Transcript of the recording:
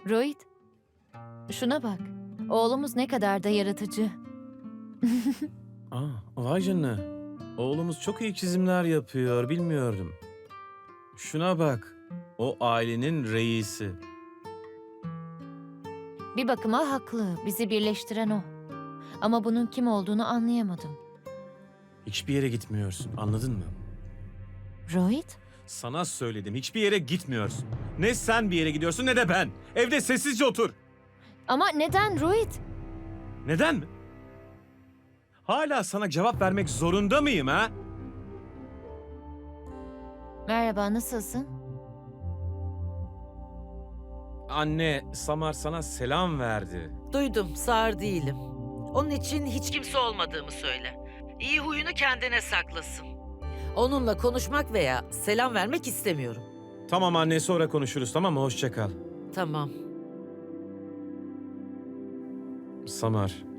Rohit, şuna bak. Oğlumuz ne kadar da yaratıcı. Aa, vay canına. Oğlumuz çok iyi çizimler yapıyor, bilmiyordum. Şuna bak. O ailenin reisi. Bir bakıma haklı. Bizi birleştiren o. Ama bunun kim olduğunu anlayamadım. Hiçbir yere gitmiyorsun, anladın mı? Rohit? Sana söyledim, hiçbir yere gitmiyorsun. Ne sen bir yere gidiyorsun ne de ben. Evde sessizce otur. Ama neden Rohit? Neden mi? Hala sana cevap vermek zorunda mıyım ha? Merhaba, nasılsın? Anne, Samar sana selam verdi. Duydum, sağır değilim. Onun için hiç kimse olmadığımı söyle. İyi huyunu kendine saklasın. Onunla konuşmak veya selam vermek istemiyorum. Tamam anne, sonra konuşuruz, tamam mı? Hoşça kal. Tamam. Samar,